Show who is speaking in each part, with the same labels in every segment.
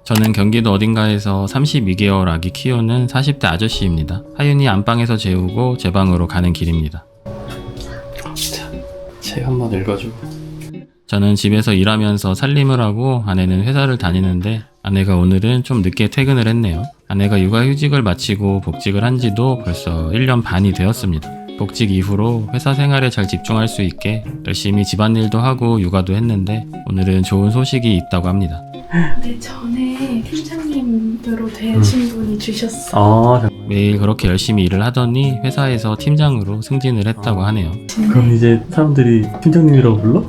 Speaker 1: 저는 경기도 어딘가에서 32개월 아기 키우는 40대 아저씨입니다. 하윤이 안방에서 재우고 제 방으로 가는 길입니다. 책 한번 읽어줘. 저는 집에서 일하면서 살림을 하고 아내는 회사를 다니는데 아내가 오늘은 좀 늦게 퇴근을 했네요. 아내가 육아휴직을 마치고 복직을 한 지도 벌써 1년 반이 되었습니다. 복직 이후로 회사 생활에 잘 집중할 수 있게 열심히 집안일도 하고 육아도 했는데 오늘은 좋은 소식이 있다고 합니다.
Speaker 2: 네, 전에 팀장님으로 되신 분이 주셨어.
Speaker 1: 매일 그렇게 열심히 일을 하더니 회사에서 팀장으로 승진을 했다고 하네요.
Speaker 3: 그럼 이제 사람들이 팀장님이라고 불러?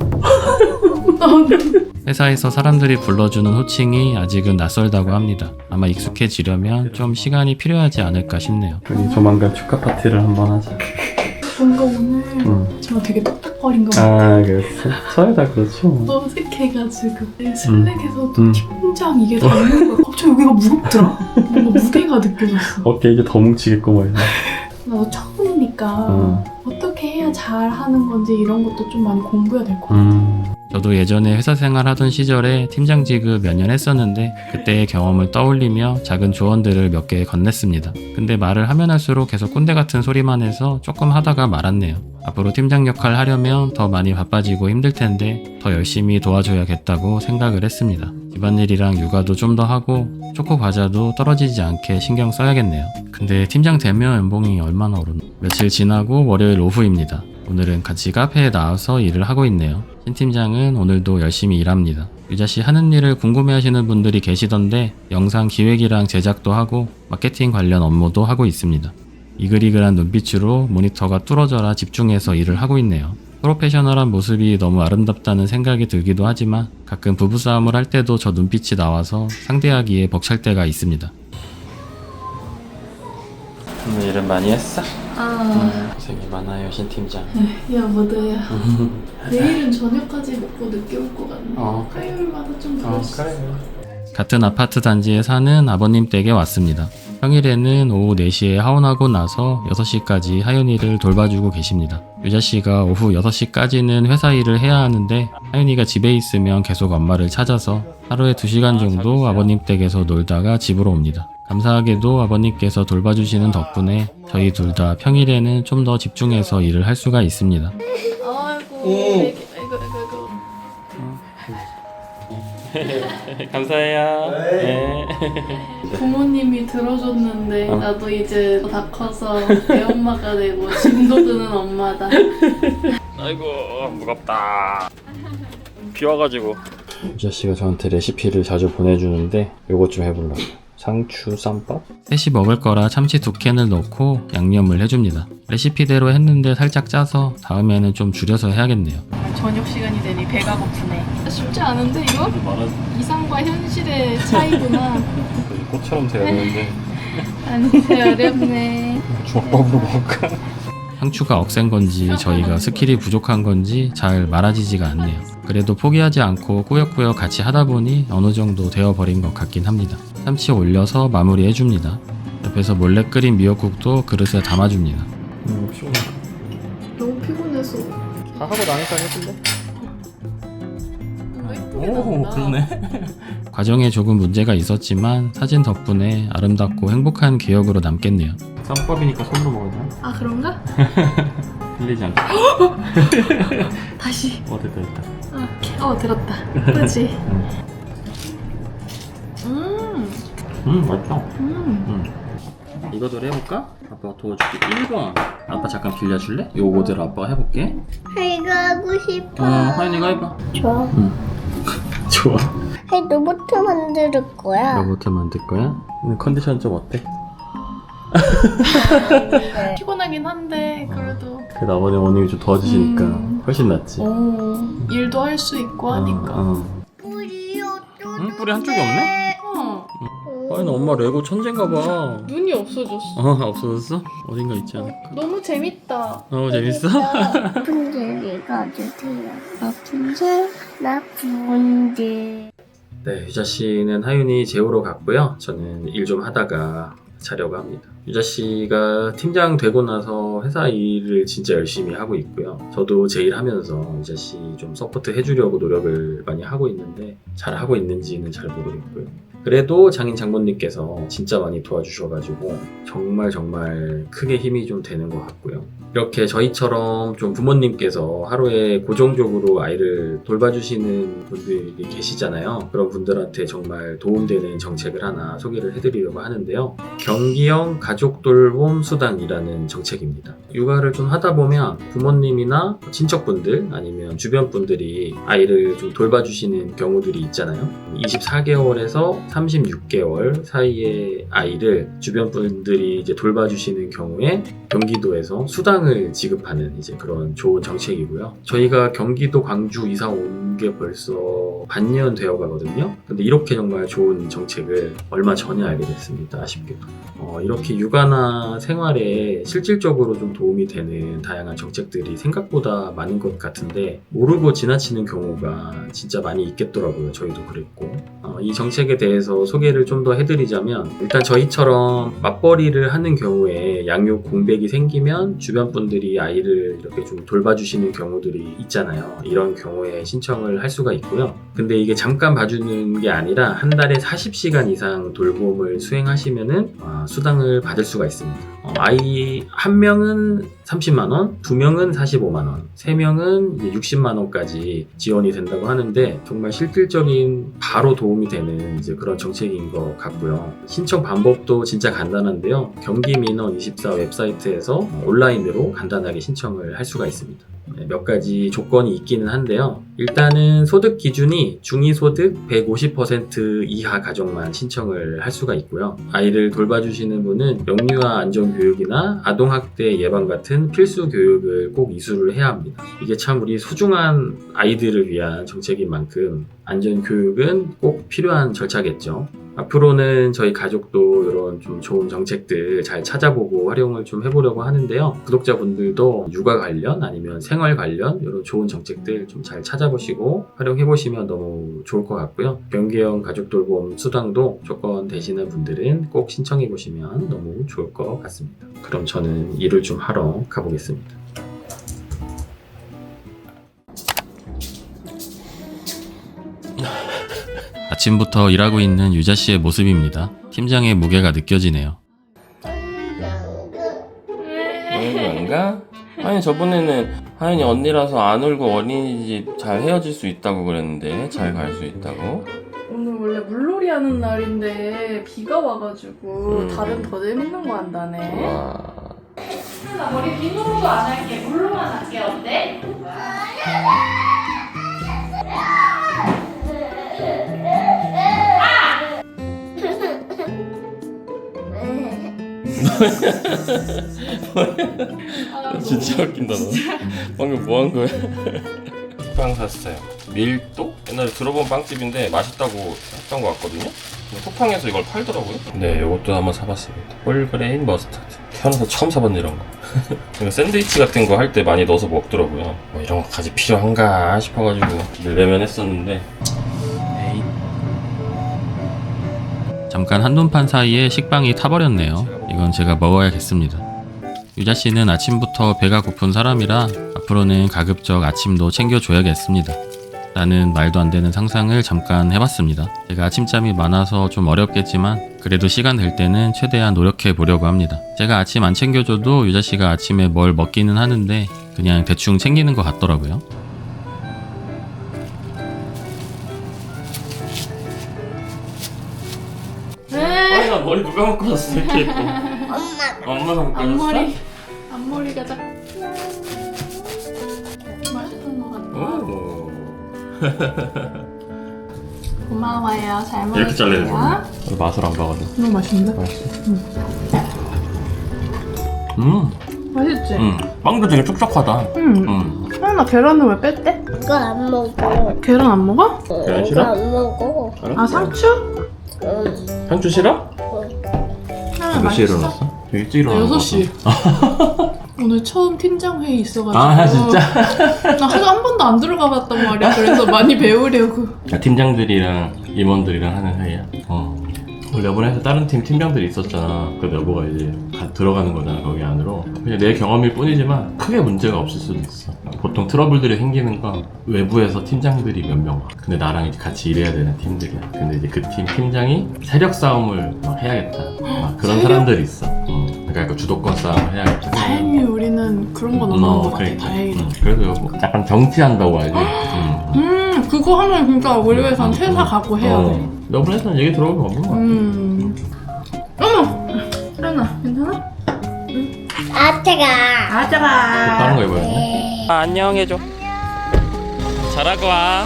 Speaker 1: 회사에서 사람들이 불러주는 호칭이 아직은 낯설다고 합니다. 아마 익숙해지려면 좀 시간이 필요하지 않을까 싶네요.
Speaker 3: 우리 조만간 축하 파티를 한번 하자.
Speaker 2: 뭔가 오늘 저 되게 똑딱거린 것 같아요.
Speaker 3: 아, 그랬어. 저희 다 그렇죠.
Speaker 2: 어색해가지고 슬랙에서도
Speaker 3: 음.
Speaker 2: 팀장 이게 다 있는 거야. 갑자기 여기가 무겁더라. 뭔가 무게가 느껴졌어.
Speaker 3: 어깨 이제 더 뭉치겠고 말이야.
Speaker 2: 나도 처음이니까 어떻게 해야 잘하는 건지 이런 것도 좀 많이 공부해야 될 것 같아.
Speaker 1: 저도 예전에 회사 생활 하던 시절에 팀장직을 몇 년 했었는데 그때의 경험을 떠올리며 작은 조언들을 몇 개 건넸습니다. 근데 말을 하면 할수록 계속 꼰대 같은 소리만 해서 조금 하다가 말았네요. 앞으로 팀장 역할 하려면 더 많이 바빠지고 힘들 텐데 더 열심히 도와줘야겠다고 생각을 했습니다. 집안일이랑 육아도 좀 더 하고 초코 과자도 떨어지지 않게 신경 써야겠네요. 근데 팀장 되면 연봉이 얼마나 오르나? 며칠 지나고 월요일 오후입니다. 오늘은 같이 카페에 나와서 일을 하고 있네요. 신 팀장은 오늘도 열심히 일합니다. 유자씨 하는 일을 궁금해하시는 분들이 계시던데 영상 기획이랑 제작도 하고 마케팅 관련 업무도 하고 있습니다. 이글이글한 눈빛으로 모니터가 뚫어져라 집중해서 일을 하고 있네요. 프로페셔널한 모습이 너무 아름답다는 생각이 들기도 하지만 가끔 부부싸움을 할 때도 저 눈빛이 나와서 상대하기에 벅찰 때가 있습니다. 오늘 일은 많이 했어? 고생이 많아요, 신 팀장.
Speaker 2: 야, 뭐더야. 내일은 저녁까지 먹고 늦게 올 것 같네. 화요일마다 좀 그럴 수 있어.
Speaker 1: 같은 아파트 단지에 사는 아버님 댁에 왔습니다. 평일에는 오후 4시에 하원하고 나서 6시까지 하윤이를 돌봐주고 계십니다. 유자씨가 오후 6시까지는 회사 일을 해야 하는데 하윤이가 집에 있으면 계속 엄마를 찾아서 하루에 2시간 정도 아버님 댁에서 놀다가 집으로 옵니다. 감사하게도 아버님께서 돌봐주시는 덕분에 저희 둘 다 평일에는 좀 더 집중해서 일을 할 수가 있습니다.
Speaker 2: 아이고.
Speaker 1: 감사해요. 네.
Speaker 2: 부모님이 들어줬는데 나도 이제 다 커서 내 엄마가 되고 짐도 드는 엄마다.
Speaker 1: 아이고 무겁다. 비 와가지고. 유자씨가 저한테 레시피를 자주 보내주는데 요것 좀 해보려고. 상추 쌈밥? 셋이 먹을 거라 참치 2캔을 넣고 양념을 해줍니다. 레시피대로 했는데 살짝 짜서 다음에는 좀 줄여서 해야겠네요.
Speaker 2: 저녁 시간이 되니 배가 고프네. 쉽지 않은데 이거? 이상과 현실의 차이구나.
Speaker 1: 꽃처럼 돼야 되는데
Speaker 2: 아니 어렵네.
Speaker 1: 주먹밥으로 먹을까? 상추가 억센 건지 저희가 스킬이 부족한 건지 잘 말아지지가 않네요. 그래도 포기하지 않고 꾸역꾸역 같이 하다 보니 어느 정도 되어버린 것 같긴 합니다. 참치 올려서 마무리 해줍니다. 옆에서 몰래 끓인 미역국도 그릇에 담아줍니다. 피곤해.
Speaker 2: 너무 피곤해서.
Speaker 1: 다 하고 나니까 해줄래?
Speaker 2: 오,
Speaker 1: 그러네. 과정에 조금 문제가 있었지만 사진 덕분에 아름답고 행복한 기억으로 남겠네요. 쌈밥이니까 손으로 먹어야 되나?
Speaker 2: 아 그런가?
Speaker 1: 흘리지 않게.
Speaker 2: 다시.
Speaker 1: 됐다.
Speaker 2: 들었다. 그렇지.
Speaker 1: 맛있다. 이거도 해볼까? 아빠가 도와줄게. 1번. 아빠 잠깐 빌려줄래? 요거대로 아빠가 해볼게.
Speaker 4: 이거 하고 싶어.
Speaker 1: 하연이가 해봐.
Speaker 4: 좋아.
Speaker 1: 좋아.
Speaker 4: 로봇 만들 거야.
Speaker 1: 로봇 만들 거야? 오늘 컨디션 좀 어때?
Speaker 2: 피곤하긴 한데 그래도.
Speaker 1: 그래도 아버님 어머님이 좀 도와주시니까 훨씬 낫지.
Speaker 2: 일도 할 수 있고 하니까.
Speaker 1: 뿌리 한쪽이 없네? 하연아 엄마 레고 천재인가 봐.
Speaker 2: 눈이 없어졌어.
Speaker 1: 없어졌어? 어딘가 있지 않을까?
Speaker 2: 너무 재밌다.
Speaker 1: 재밌어?
Speaker 4: 라푼젤 가주세요. 라푼젤.
Speaker 1: 네, 유자 씨는 하윤이 재우러 갔고요. 저는 일 좀 하다가 자려고 합니다. 유자 씨가 팀장 되고 나서 회사 일을 진짜 열심히 하고 있고요. 저도 제 일 하면서 유자 씨 좀 서포트 해주려고 노력을 많이 하고 있는데 잘 하고 있는지는 잘 모르겠고요. 그래도 장인 장모님께서 진짜 많이 도와주셔가지고 정말 크게 힘이 좀 되는 것 같고요. 이렇게 저희처럼 좀 부모님께서 하루에 고정적으로 아이를 돌봐주시는 분들이 계시잖아요. 그런 분들한테 정말 도움되는 정책을 하나 소개를 해드리려고 하는데요. 경기형 가족돌봄 수당이라는 정책입니다. 육아를 좀 하다 보면 부모님이나 친척분들 아니면 주변 분들이 아이를 좀 돌봐주시는 경우들이 있잖아요. 24개월에서 36개월 사이의 아이를 주변 분들이 이제 돌봐주시는 경우에 경기도에서 수당을 지급하는 이제 그런 좋은 정책이고요. 저희가 경기도 광주 이사 온 게 벌써 반년 되어 가거든요. 근데 이렇게 정말 좋은 정책을 얼마 전에 알게 됐습니다. 아쉽게도. 이렇게 육아나 생활에 실질적으로 좀 도움이 되는 다양한 정책들이 생각보다 많은 것 같은데 모르고 지나치는 경우가 진짜 많이 있겠더라고요. 저희도 그랬고. 이 정책에 대해서 소개를 좀 더 해드리자면 일단 저희처럼 맞벌이를 하는 경우에 양육 공백이 생기면 주변 분들이 아이를 이렇게 좀 돌봐주시는 경우들이 있잖아요. 이런 경우에 신청을 할 수가 있고요. 근데 이게 잠깐 봐주는 게 아니라 한 달에 40시간 이상 돌봄을 수행하시면은 수당을 받을 수가 있습니다. 아이 한 명은 30만원, 2명은 45만원, 3명은 이제 60만원까지 지원이 된다고 하는데 정말 실질적인 바로 도움이 되는 이제 그런 정책인 것 같고요. 신청 방법도 진짜 간단한데요. 경기민원24 웹사이트에서 온라인으로 간단하게 신청을 할 수가 있습니다. 몇 가지 조건이 있기는 한데요. 일단은 소득 기준이 중위소득 150% 이하 가정만 신청을 할 수가 있고요. 아이를 돌봐주시는 분은 영유아 안전교육이나 아동학대 예방 같은 필수 교육을 꼭 이수를 해야 합니다. 이게 참 우리 소중한 아이들을 위한 정책인 만큼 안전교육은 꼭 필요한 절차겠죠. 앞으로는 저희 가족도 이런 좀 좋은 정책들 잘 찾아보고 활용을 좀 해보려고 하는데요. 구독자분들도 육아 관련 아니면 생활 관련 이런 좋은 정책들 좀 잘 찾아보시고 활용해보시면 너무 좋을 것 같고요. 경기형 가족돌봄 수당도 조건 되시는 분들은 꼭 신청해보시면 너무 좋을 것 같습니다. 그럼 저는 일을 좀 하러 가보겠습니다. 아침부터 일하고 있는 유자 씨의 모습입니다. 팀장의 무게가 느껴지네요.
Speaker 5: 안 가? 하연이 저번에는 하연이 언니라서 안 울고 어린이집 잘 헤어질 수 있다고 그랬는데 잘 갈 수 있다고?
Speaker 2: 오늘 원래 물놀이 하는 날인데 비가 와가지고 다른 더 재밌는 거 한다네.
Speaker 5: 와.
Speaker 2: 나 머리 비누로도 안 할게. 물로만 할게. 어때?
Speaker 5: 진짜 웃긴다 너. 방금 뭐 한 거야? 빵 샀어요. 밀도? 옛날에 들어본 빵집인데 맛있다고 했던 것 같거든요. 근데 쿠팡에서 이걸 팔더라고요. 네, 이것도 한번 사봤습니다. 홀그레인 머스타드. 태어나서 처음 사봤네 이런 거. 그러니까 샌드위치 같은 거 할 때 많이 넣어서 먹더라고요. 뭐 이런 거까지 필요한가 싶어가지고 밀려면 했었는데. 에이.
Speaker 1: 잠깐 한눈판 사이에 식빵이 타버렸네요. 이건 제가 먹어야겠습니다. 유자 씨는 아침부터 배가 고픈 사람이라 앞으로는 가급적 아침도 챙겨줘야겠습니다. 라는 말도 안 되는 상상을 잠깐 해봤습니다. 제가 아침잠이 많아서 좀 어렵겠지만 그래도 시간 될 때는 최대한 노력해 보려고 합니다. 제가 아침 안 챙겨줘도 유자 씨가 아침에 뭘 먹기는 하는데 그냥 대충 챙기는 것 같더라고요.
Speaker 5: 아니 머리 누가 묶고 왔어 이렇게 예뻐. 엄마가 묶어줬어?
Speaker 2: 앞머리가 딱 맛있는 것 같아.
Speaker 5: 오.
Speaker 2: 고마워요. 잘 먹을게요.
Speaker 5: 이렇게 잘라야 돼. 맛을 안 봐가지고.
Speaker 2: 너무 맛있는데?
Speaker 5: 맛있어.
Speaker 2: 맛있지?
Speaker 5: 빵도 되게 촉촉하다.
Speaker 2: 나 계란을 왜 뺐대?
Speaker 4: 이거 안 먹어.
Speaker 2: 계란 안 먹어?
Speaker 5: 계란
Speaker 4: 이거
Speaker 5: 싫어?
Speaker 4: 안 먹어.
Speaker 2: 아 상추?
Speaker 4: 응.
Speaker 5: 상추 싫어? 몇 시에
Speaker 2: 맛있어.
Speaker 5: 일어났어? 되게 일찍 일어났어.
Speaker 2: 6시. 오늘 처음 팀장 회의 있어가지고.
Speaker 5: 아 진짜?
Speaker 2: 나 하루 한 번도 안 들어가 봤단 말이야. 그래서 많이 배우려고.
Speaker 5: 팀장들이랑 임원들이랑 하는 회의야. 우리 여번에 해서 다른 팀 팀장들이 있었잖아. 그래서 여보가 이제 들어가는 거잖아 거기 안으로. 그냥 내 경험일 뿐이지만 크게 문제가 없을 수도 있어. 보통 트러블들이 생기는 건 외부에서 팀장들이 몇 명 와. 근데 나랑 이제 같이 일해야 되는 팀들이야. 근데 이제 그 팀장이 세력 싸움을 막 해야겠다. 막 그런 사람들이 있어. 그러니까 주도권 싸움을 해야겠다.
Speaker 2: 다행히 우리는 그런 건 없는 것 같아.
Speaker 5: 그러니까.
Speaker 2: 다행이다.
Speaker 5: 그래서 뭐 약간 정치한다고 알지?
Speaker 2: 그거 하면 진짜 우리 회사는 퇴사 가고 해야 돼.
Speaker 5: 너번 회사는 얘기 들어본 거 없는 거 같아.
Speaker 2: 어머! 혜연아, 괜찮아?
Speaker 4: 아차가.
Speaker 2: 아자가.
Speaker 5: 다른 거 입어야겠네. 안녕 해줘. 잘하고 와.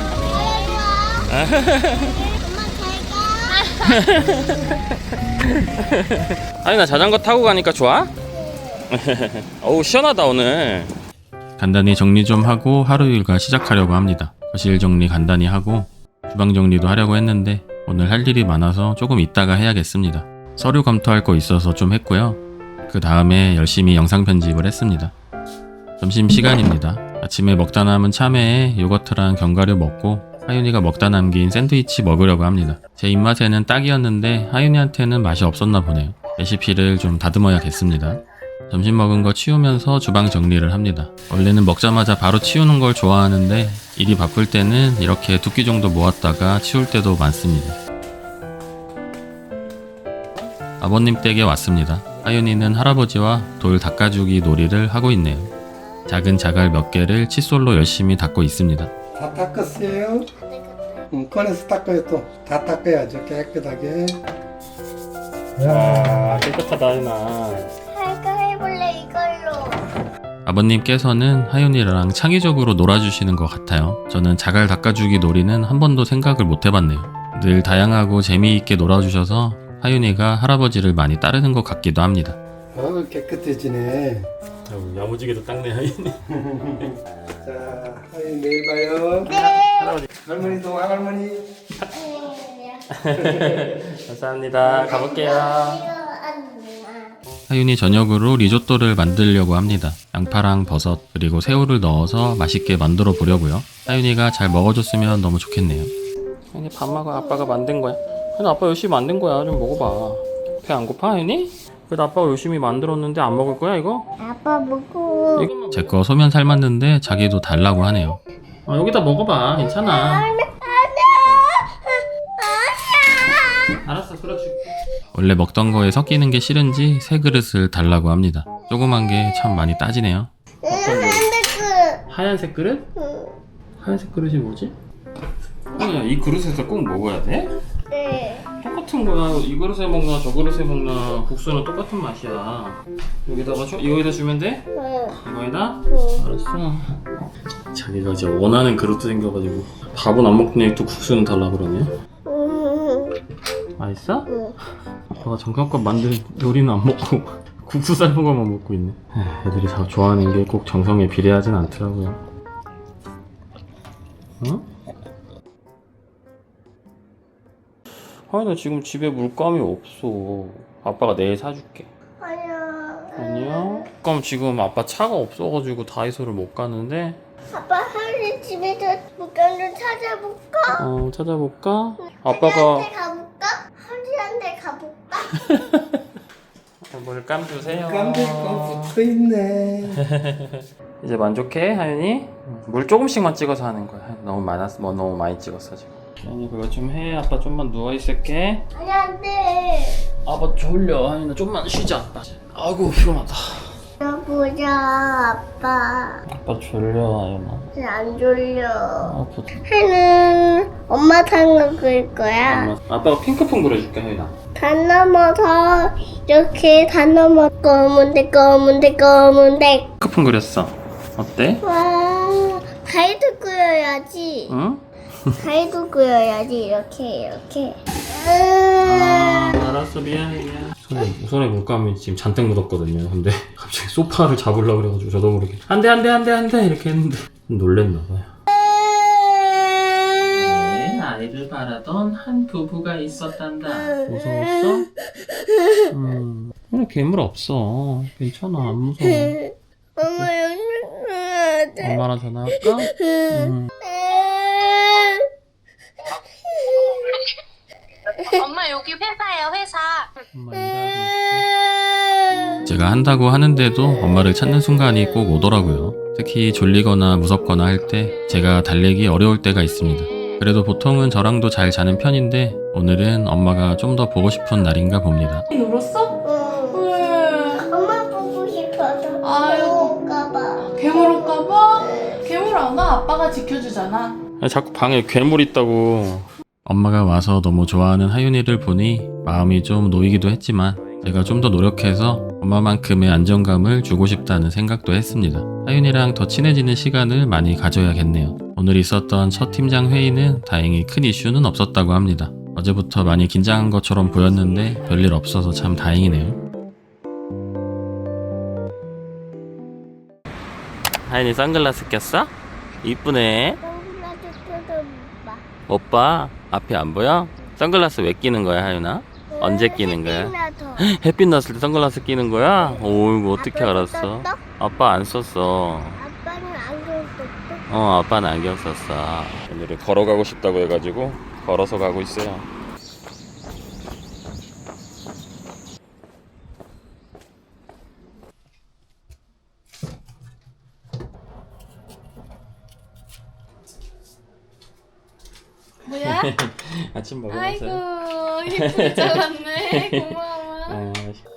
Speaker 5: 아니 나 자전거 타고 가니까 좋아? 어우 시원하다 오늘.
Speaker 1: 간단히 정리 좀 하고 하루 일과 시작하려고 합니다. 거실 정리 간단히 하고 주방 정리도 하려고 했는데 오늘 할 일이 많아서 조금 이따가 해야겠습니다. 서류 검토할 거 있어서 좀 했고요. 그 다음에 열심히 영상 편집을 했습니다. 점심시간입니다. 아침에 먹다 남은 참외에 요거트랑 견과류 먹고 하윤이가 먹다 남긴 샌드위치 먹으려고 합니다. 제 입맛에는 딱이었는데 하윤이한테는 맛이 없었나 보네요. 레시피를 좀 다듬어야겠습니다. 점심 먹은 거 치우면서 주방 정리를 합니다. 원래는 먹자마자 바로 치우는 걸 좋아하는데 일이 바쁠 때는 이렇게 2끼 정도 모았다가 치울 때도 많습니다. 아버님 댁에 왔습니다. 하윤이는 할아버지와 돌 닦아주기 놀이를 하고 있네요. 작은 자갈 몇 개를 칫솔로 열심히 닦고 있습니다.
Speaker 6: 다 닦았어요? 꺼내서 닦아요 또. 다 닦아야죠 깨끗하게.
Speaker 5: 깨끗하다 하윤아.
Speaker 4: 할까 해볼래 이걸로.
Speaker 1: 아버님께서는 하윤이랑 창의적으로 놀아주시는 것 같아요. 저는 자갈 닦아주기 놀이는 한 번도 생각을 못 해봤네요. 늘 다양하고 재미있게 놀아주셔서 하윤이가 할아버지를 많이 따르는 것 같기도 합니다.
Speaker 6: 깨끗해지네.
Speaker 5: 야무지게도 닦네 하윤이.
Speaker 6: 자, 내일 봐요. 할머니도 와 할머니.
Speaker 5: 감사합니다. 가볼게요.
Speaker 1: 하윤이 저녁으로 리조또를 만들려고 합니다. 양파랑 버섯 그리고 새우를 넣어서 맛있게 만들어 보려고요. 하윤이가 잘 먹어줬으면 너무 좋겠네요. 하윤이 밥 먹어. 아빠가 만든 거야. 하윤이 아빠 열심히 만든 거야. 좀 먹어봐. 배 안 고파 하윤이? 그래도 아빠가 열심히 만들었는데 안 먹을 거야 이거?
Speaker 4: 아빠 먹고.
Speaker 1: 제 거 소면 삶았는데 자기도 달라고 하네요. 여기다 먹어봐. 괜찮아. 알았어, 그래줄게. 원래 먹던 거에 섞이는 게 싫은지 새 그릇을 달라고 합니다. 조그만 게 참 많이 따지네요. 하얀색 그릇? 하얀색 그릇이 뭐지? 아니야, 이 그릇에서 꼭 먹어야 돼?
Speaker 4: 네.
Speaker 1: 똑같은 거야. 이 그릇에 먹나 저 그릇에 먹나 국수는 똑같은 맛이야. 여기다가 이거에다 주면 돼? 이거에다? 알았어. 자기가 이제 원하는 그릇도 생겨가지고 밥은 안 먹는 애또 국수는 달라 그러네. 맛있어? 아빠가 정성껏 만든 요리는 안 먹고 국수 삶은 것만 먹고 있네. 애들이 다 좋아하는 게 꼭 정성에 비례하진 않더라고요. 응? 나 지금 집에 물감이 없어. 아빠가 내일 사줄게. 아니야? 그럼 지금 아빠 차가 없어가지고 다이소를 못 가는데.
Speaker 4: 아빠 하루 집에서 물감 좀 찾아볼까?
Speaker 1: 찾아볼까? 아빠가
Speaker 4: 하루한테 가볼까? 하루한테 가볼까?
Speaker 1: 물감 주세요.
Speaker 6: 깜짝 거 붙어 있네.
Speaker 1: 이제 만족해, 하윤이? 물 조금씩만 찍어서 하는 거야. 너무 많았어, 너무 많이 찍었어 지금. 하윤이 그거 좀 해. 아빠 좀만 누워 있을게.
Speaker 4: 아니 안 돼.
Speaker 1: 아빠 졸려. 하윤아 좀만 쉬자. 아이고 피곤하다.
Speaker 4: 보자 아빠.
Speaker 1: 아빠 졸려, 하윤아.
Speaker 4: 안 졸려.
Speaker 1: 아프다.
Speaker 4: 하는 엄마 탄거 그릴 거야.
Speaker 1: 아빠가 핑크퐁 그려줄게, 하윤아.
Speaker 4: 단 넘어서 이렇게 단 넘어 검은데.
Speaker 1: 핑크퐁 그렸어. 어때?
Speaker 4: 와 가위도 그려야지.
Speaker 1: 응?
Speaker 4: 가위도 그려야지 이렇게.
Speaker 1: 알았어, 미안해. 손에 물감이 지금 잔뜩 묻었거든요. 근데 갑자기 소파를 잡으려고 그래가지고 저도 모르게 안돼 이렇게 했는데 놀랬나봐요. 아이를 바라던 한 부부가 있었단다. 무서웠어? 괴물 없어. 괜찮아, 안 무서워.
Speaker 4: 엄마 여기
Speaker 1: 엄마랑 전화할까?
Speaker 7: 엄마 여기 회사예요 회사.
Speaker 1: 엄마 일하고 있어. 제가 한다고 하는데도 엄마를 찾는 순간이 꼭 오더라고요. 특히 졸리거나 무섭거나 할 때 제가 달래기 어려울 때가 있습니다. 그래도 보통은 저랑도 잘 자는 편인데 오늘은 엄마가 좀 더 보고 싶은 날인가 봅니다.
Speaker 2: 울었어?
Speaker 4: 응.
Speaker 2: 왜?
Speaker 4: 엄마 보고 싶어서.
Speaker 2: 아이고.
Speaker 4: 올까봐.
Speaker 2: 괴물 올까봐? 괴물 안 와. 아빠가 지켜주잖아.
Speaker 1: 자꾸 방에 괴물 있다고. 엄마가 와서 너무 좋아하는 하윤이를 보니 마음이 좀 놓이기도 했지만 제가 좀 더 노력해서 엄마만큼의 안정감을 주고 싶다는 생각도 했습니다. 하윤이랑 더 친해지는 시간을 많이 가져야겠네요. 오늘 있었던 첫 팀장 회의는 다행히 큰 이슈는 없었다고 합니다. 어제부터 많이 긴장한 것처럼 보였는데 별일 없어서 참 다행이네요. 하윤이 선글라스 꼈어? 이쁘네.
Speaker 4: 선글라스 껴서 봐.
Speaker 1: 오빠 앞이 안 보여? 선글라스 왜 끼는 거야 하윤아? 언제 끼는 거야?
Speaker 4: 나도.
Speaker 1: 햇빛 났을 때 선글라스 끼는 거야? 오이고 어떻게
Speaker 4: 아빠도
Speaker 1: 알았어?
Speaker 4: 썼어?
Speaker 1: 아빠 안 썼어.
Speaker 4: 아빠는 안경 썼어?
Speaker 1: 아빠는 안경 썼어.
Speaker 5: 오늘은 걸어가고 싶다고 해가지고 걸어서 가고 있어요.
Speaker 2: 뭐야?
Speaker 1: 아침
Speaker 2: 아이고
Speaker 1: 먹어보세요.
Speaker 2: 예쁘게 잘랐네. 고마워.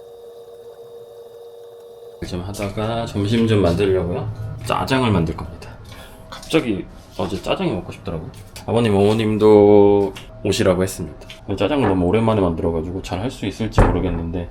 Speaker 1: 좀 하다가 점심 좀 만들려고요. 짜장을 만들 겁니다. 갑자기 어제 짜장이 먹고 싶더라고요. 아버님 어머님도 오시라고 했습니다. 짜장을 너무 오랜만에 만들어가지고 잘 할 수 있을지 모르겠는데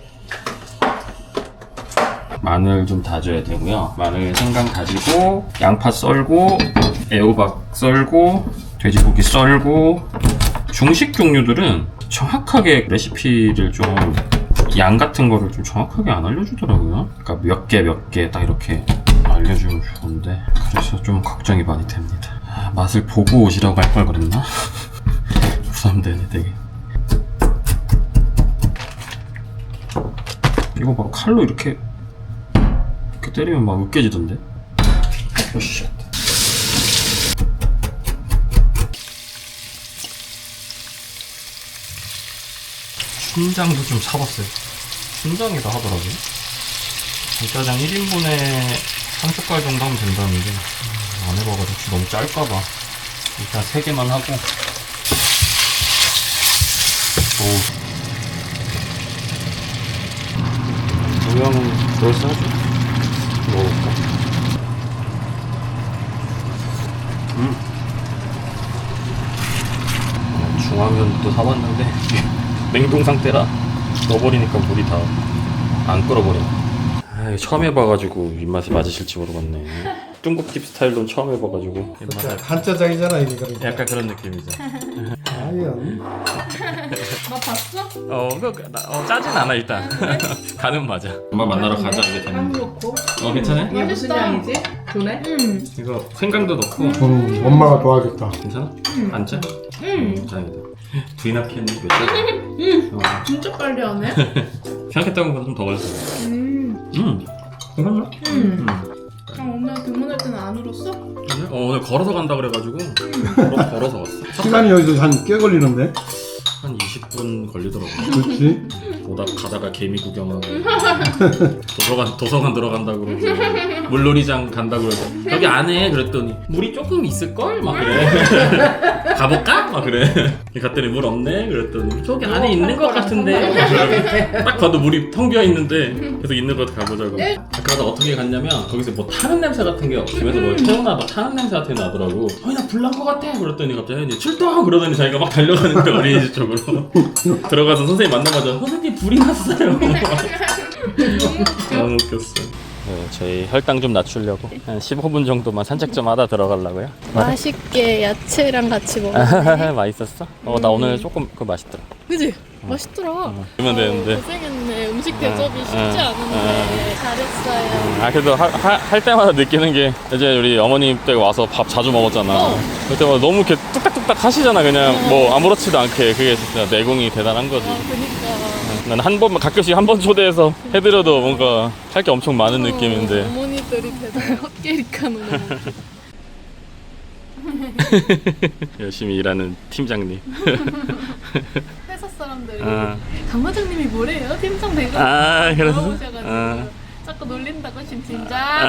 Speaker 1: 마늘 좀 다져야 되고요. 마늘 생강 다지고 양파 썰고 애호박 썰고 돼지고기 썰고 중식 종류들은 정확하게 레시피를 좀 양 같은 거를 좀 정확하게 안 알려주더라고요. 그러니까 몇 개 딱 이렇게 알려주면 좋은데 그래서 좀 걱정이 많이 됩니다. 맛을 보고 오시라고 할 걸 그랬나? 부담되네 되게. 이거 막 칼로 이렇게 때리면 막 으깨지던데? 오씨. 춘장도 좀 사봤어요. 춘장이다 하더라고요. 짜장 1인분에 3숟갈 정도 하면 된다는데 안 해봐가지고 너무 짤까봐 일단 3개만 하고. 모양은 그럴싸하죠? 먹어볼까? 중화면도 사봤는데 냉동 상태라 넣어버리니까 물이 다 안 끓어버려. 처음 해봐가지고 입맛에 맞으실지 모르겠네. 중국집 스타일로는 처음 해봐가지고 입맛에
Speaker 6: 한짜장이잖아 이게 그러니까.
Speaker 1: 약간 그런 느낌이죠.
Speaker 6: 아니야.
Speaker 2: 나 봤어?
Speaker 1: 짜진 않아 일단. 간은 맞아. 엄마 만나러 가자 이제 됐는데. 괜찮아?
Speaker 8: 이게 무슨 향이지? 좋네?
Speaker 1: 이거 생강도 넣고.
Speaker 6: 엄마가 좋아하겠다.
Speaker 1: 괜찮아? 안 짜? 다행이다. 두이나 피했는데 몇 짜?
Speaker 2: 진짜 빨리 하네.
Speaker 1: 생각했던 것보다 좀 더 걸렸어. 괜찮나?
Speaker 2: 오늘 등문할 때는 안 울었어?
Speaker 1: 오늘 걸어서 간다 그래가지고 걸어서 왔어.
Speaker 6: 시간이 여기서 한 꽤 걸리는데?
Speaker 1: 한 20분 걸리더라고.
Speaker 6: 그렇지?
Speaker 1: 가다가 개미 구경하고 도서관 들어간다고 그러고 물놀이장 간다고 그러고 여기 안에 그랬더니 물이 조금 있을걸? 막 그래. 가볼까? 막 그래. 갔더니 물 없네? 그랬더니 저기 안에 있는 것 같은데. 딱 봐도 물이 텅 비어 있는데 계속 있는 것 같아 가보자고. 그러다 어떻게 갔냐면 거기서 뭐 타는 냄새 같은 게 집에서 뭘 태우나 봐 타는 냄새 같은 게 나더라고. 나 불난 것 같아. 그랬더니 갑자기 출동! 그러더니 자기가 막 달려가는데 어린이집 쪽으로 들어가서 선생님 만나자마자 선생님 불이 났어요. 너무 웃겼어. 네, 저희 혈당 좀 낮추려고 한 15분 정도만 산책 좀 하다 들어가려고요.
Speaker 2: 맛있게 야채랑 같이 먹어.
Speaker 1: 맛있었어? 나 오늘 조금 그거 맛있더라.
Speaker 2: 그지? 맛있더라.
Speaker 1: 그러면 되는데.
Speaker 2: 고생했네. 음식 대접이 쉽지 않은데 잘했어요.
Speaker 1: 그래도 할 때마다 느끼는 게 이제 우리 어머님 댁 와서 밥 자주 먹었잖아. 그때마다 너무 이렇게 뚝딱뚝딱 하시잖아. 그냥 뭐 아무렇지도 않게. 그게 진짜 내공이 대단한 거지.
Speaker 2: 그니까.
Speaker 1: 난 한 번만 가끔씩 한 번 초대해서 해드려도 뭔가 할 게 엄청 많은 느낌인데.
Speaker 2: 어머니들이 대단히 헛개리카노.
Speaker 1: 열심히 일하는 팀장님.
Speaker 2: 회사 사람들이 강 과장님이 뭐래요? 팀장 되고
Speaker 1: 그래서?
Speaker 2: 물어보셔가지고 자꾸 놀린다고 진짜.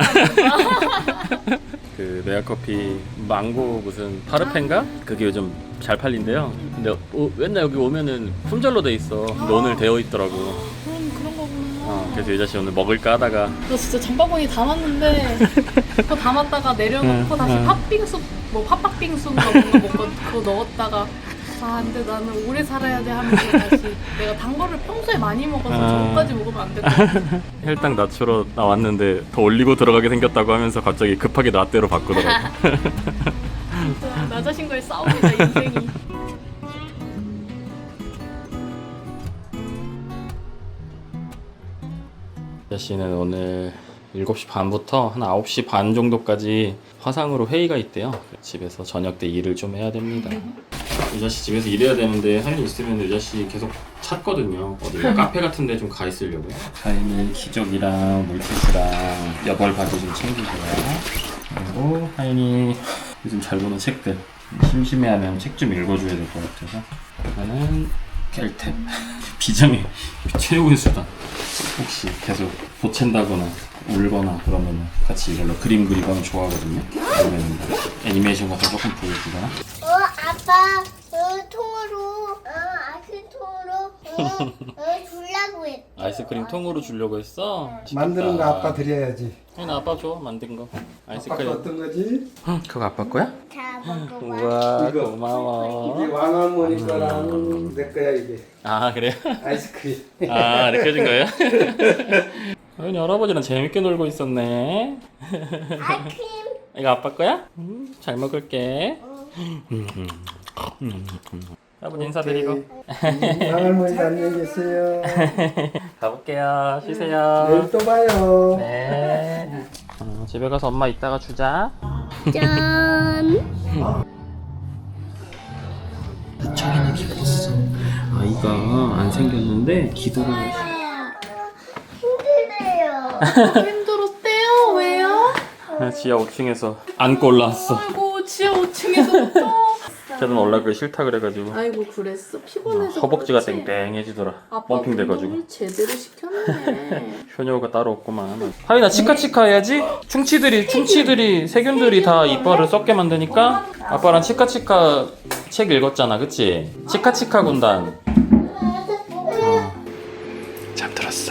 Speaker 1: 그 메가커피 망고 무슨 파르페인가? 그게 요즘 잘 팔린대요. 근데 맨날 여기 오면은 품절로 돼 있어. 근데 오늘 되어 있더라고.
Speaker 2: 그런 거구나.
Speaker 1: 그래서 유자 씨 오늘 먹을까 하다가
Speaker 2: 나 진짜 장바구니 담았는데 그거 담았다가 내려놓고 다시 팥빙수 뭐 팥빵빙수인가 뭔가 먹고 그거 넣었다가 아 근데 나는 오래 살아야 돼 하면서 다시 내가 단 거를 평소에 많이 먹어서 저거까지 먹으면 안 될 것 같아.
Speaker 1: 혈당 낮추러 나왔는데 더 올리고 들어가게 생겼다고 하면서 갑자기 급하게 라떼로 바꾸더라고.
Speaker 2: 진짜 나 자신과의 싸움이다 인생이.
Speaker 1: 유자 씨는 오늘 7시 반부터 한 9시 반 정도까지 화상으로 회의가 있대요. 집에서 저녁 때 일을 좀 해야 됩니다. 유자 씨 집에서 일해야 되는데 하윤이 있으면 유자 씨 계속 찾거든요. 어디 카페 같은 데 좀 가 있으려고요. 하윤이 기저귀랑 물티슈랑 여벌 바지 좀 챙기고요. 그리고 하윤이 요즘 잘 보는 책들 심심해하면 책 좀 읽어줘야 될 것 같아서 이거는 깰탭 비장의 최후의 수단. 혹시 계속 보챈다거나 울거나 그러면 같이 이걸로 그림 그리고 하면 좋아하거든요. 아니면 애니메이션 같은 거 조금 보여주거나.
Speaker 4: 아빠 통으로 아이스통으로 주려고 했.
Speaker 1: 아이스크림 통으로 주려고 했어?
Speaker 6: 만드는 거 아빠 드려야지.
Speaker 1: 나 아빠 줘 만든 거
Speaker 6: 아빠
Speaker 1: 아이스크림.
Speaker 6: 거 어떤 거지?
Speaker 1: 그거 아빠 거야?
Speaker 4: 다 먹어봐.
Speaker 1: 우와
Speaker 6: 이거.
Speaker 1: 고마워.
Speaker 6: 이게 왕할머니 거랑 내 거야 이게.
Speaker 1: 아 그래요?
Speaker 6: 아이스크림.
Speaker 1: 아 이렇게 해준 거예요? 하윤이 할아버지랑 재밌게 놀고 있었네.
Speaker 4: 아이스크림.
Speaker 1: 이거 아빠 거야? 잘 먹을게. 할아버지 인사드리고
Speaker 6: 왕할머니 안녕히 계세요.
Speaker 1: 가볼게요. 쉬세요.
Speaker 6: 내일 또 봐요.
Speaker 1: 네. 집에 가서 엄마 이따가 주자.
Speaker 4: 짠.
Speaker 1: 창이는 기뻤어. 아이가 안 생겼는데 기도를
Speaker 4: 힘들어요.
Speaker 2: 힘들었대요. 왜요?
Speaker 1: 지하 5층에서 안고 올라왔어.
Speaker 2: 아이고 지하 5층에서부터.
Speaker 1: 저는 올라가기 싫다 그래가지고
Speaker 2: 아이고 그랬어. 피곤해서.
Speaker 1: 허벅지가
Speaker 2: 그렇지.
Speaker 1: 땡땡해지더라.
Speaker 2: 아빠
Speaker 1: 펌핑 돼가지고.
Speaker 2: 운동을 제대로 시켰네.
Speaker 1: 효녀가 따로 없구만. 하윤아 치카치카 해야지. 충치들이 세균들이 다 이빨을 썩게 만드니까 아빠랑 치카치카 책 읽었잖아, 그치? 치카치카 군단. 잠들었어.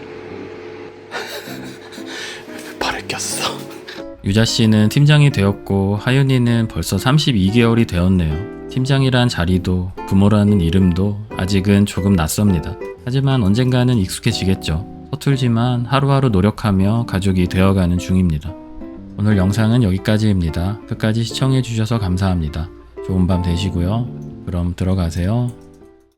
Speaker 1: 발을 꼈어. 유자 씨는 팀장이 되었고 하윤이는 벌써 32개월이 되었네요. 팀장이란 자리도 부모라는 이름도 아직은 조금 낯섭니다. 하지만 언젠가는 익숙해지겠죠. 서툴지만 하루하루 노력하며 가족이 되어가는 중입니다. 오늘 영상은 여기까지입니다. 끝까지 시청해주셔서 감사합니다. 좋은 밤 되시고요. 그럼 들어가세요.